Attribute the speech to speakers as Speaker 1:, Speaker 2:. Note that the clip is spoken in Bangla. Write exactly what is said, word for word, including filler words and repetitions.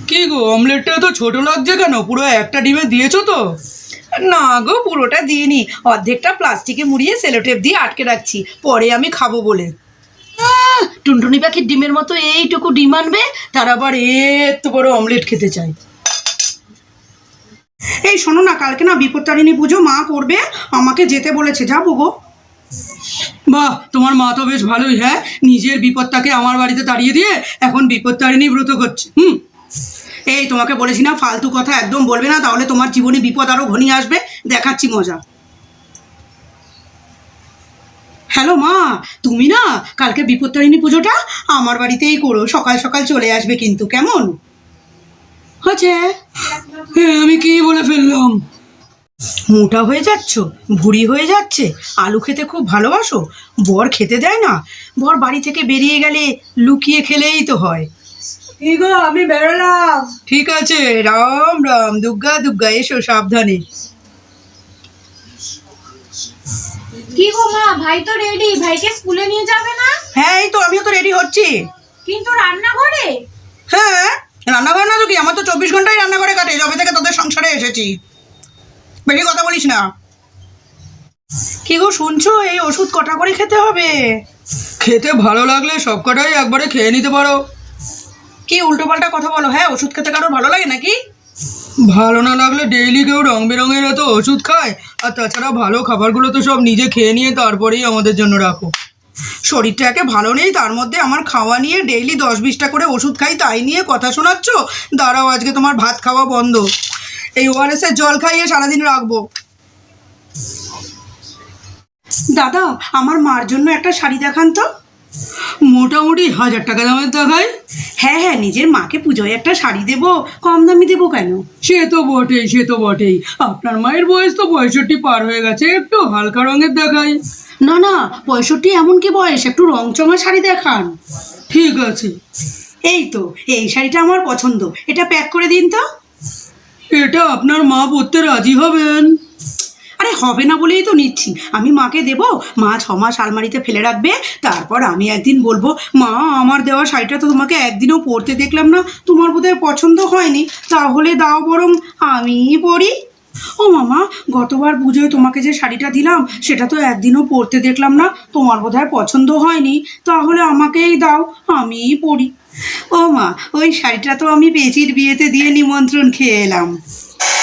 Speaker 1: কি গো, অমলেটটা তো ছোট লাগছে কেন? পুরো একটা ডিমে দিয়েছো তো?
Speaker 2: না গো, পুরোটা দিইনি, অর্ধেকটা প্লাস্টিকে মুড়িয়ে সেলোটেপ দিয়ে আটকে রাখছি, পরে আমি খাবো বলে। আহ, টুনটুনি পাখির ডিমের মতো এইটুকু ডিম আনবে, তার আবার এত বড় অমলেট খেতে চাই। এই শোনো না, কালকে না বিপত্তারিণী পুজো মা করবে, আমাকে যেতে বলেছে, যাবো গো।
Speaker 1: বাহ, তোমার মা তো বেশ ভালোই। হ্যাঁ, নিজের বিপদটাকে আমার বাড়িতে তাড়িয়ে দিয়ে এখন বিপত্তারিণী ব্রত করছে। হুম,
Speaker 2: এই তোমাকে বলেছি না, ফালতু কথা একদম বলবে না, তাহলে তোমার জীবনে বিপদ আরো ঘনিয়ে আসবে। দেখাচ্ছি মজা। হ্যালো মা, তুমি না কালকে বিপত্তারিণী পুজোটা আমার বাড়িতেই করো, সকাল সকাল চলে আসবে কিন্তু, কেমন হচ্ছে?
Speaker 1: হ্যাঁ, আমি কি বলে ফেললাম?
Speaker 2: মোটা হয়ে যাচ্ছ, ভুঁড়ি হয়ে যাচ্ছে, আলু খেতে খুব ভালোবাসো, বর খেতে দেয় না, বর বাড়ি থেকে বেরিয়ে গেলে লুকিয়ে খেলেই তো হয়।
Speaker 3: কি গো, আমি বেরোলাম।
Speaker 2: ঠিক আছে, রাম রাম, দুর্গা দুর্গা, এসো সাবধানে।
Speaker 3: কি গো মা, ভাই তো রেডি, ভাইকে স্কুলে নিয়ে যাবে না?
Speaker 2: হ্যাঁ, এই তো আমিও তো রেডি হচ্ছি।
Speaker 3: কিন্তু রান্নাঘরে?
Speaker 2: হ্যাঁ, রান্নাঘর না তো কি, আমার তো চব্বিশ ঘন্টাই রান্নাঘরে কাটে, যবে থেকে তোদের সংসারে এসেছি। বেশি কথা বলিস না। কি গো শুনছো, এই ওষুধ কটা করে খেতে হবে?
Speaker 1: খেতে ভালো লাগলে সব কটাই একবারে খেয়ে নিতে পারো।
Speaker 2: কি উল্টোপাল্টা কথা বলো? হ্যাঁ, ওষুধ খেতে কারোর ভালো লাগে নাকি?
Speaker 1: ভালো না লাগলে ডেইলি কেউ রং বেরঙের এত ওষুধ খায়? আর তাছাড়া ভালো খাবারগুলো তো সব নিজে খেয়ে নিয়ে তারপরেই আমাদের জন্য রাখো।
Speaker 2: শরীরটা একে ভালো নেই, তার মধ্যে আমার খাওয়া নিয়ে ডেইলি দশ বিশটা করে ওষুধ খাই, তাই নিয়ে কথা শোনাচ্ছ? দাঁড়াও, আজকে তোমার ভাত খাওয়া বন্ধ, এই ওআরএস এর জল খাইয়ে সারাদিন রাখবো। দাদা, আমার মার জন্য একটা শাড়ি দেখান তো।
Speaker 1: মোটামুটি হাজার টাকা দামের দেখায়।
Speaker 2: হ্যাঁ হ্যাঁ, নিজের মাকে পুজোয় একটা শাড়ি দেবো, কম দামি দেবো কেন?
Speaker 1: সে তো বটেই, সে তো বটেই। আপনার মায়ের বয়স তো পঁয়ষট্টি পার হয়ে গেছে, একটু হালকা রঙের দেখায়।
Speaker 2: না না, পঁয়ষট্টি এমন কি বয়স, একটু রংচঙা শাড়ি দেখান।
Speaker 1: ঠিক আছে,
Speaker 2: এই তো, এই শাড়িটা আমার পছন্দ, এটা প্যাক করে দিন তো।
Speaker 1: এটা আপনার মা পরতে রাজি হবেন?
Speaker 2: আরে হবে না বলেই তো নিচ্ছি, আমি মাকে দেবো, মা ছ মাস আলমারিতে ফেলে রাখবে, তারপর আমি একদিন বলবো, মা আমার দেওয়া শাড়িটা তো তোমাকে একদিনও পরতে দেখলাম না, তোমার বোধহয় পছন্দ হয়নি, তাহলে দাও বরং আমিই পরি। ও মামা, গতবার পুজোয় তোমাকে যে শাড়িটা দিলাম সেটা তো একদিনও পরতে দেখলাম না, তোমার বোধহয় পছন্দ হয়নি, তাহলে আমাকেই দাও, আমিই পরি। ও মা, ওই শাড়িটা তো আমি পেঁচির বিয়েতে দিয়ে নিমন্ত্রণ খেয়ে এলাম।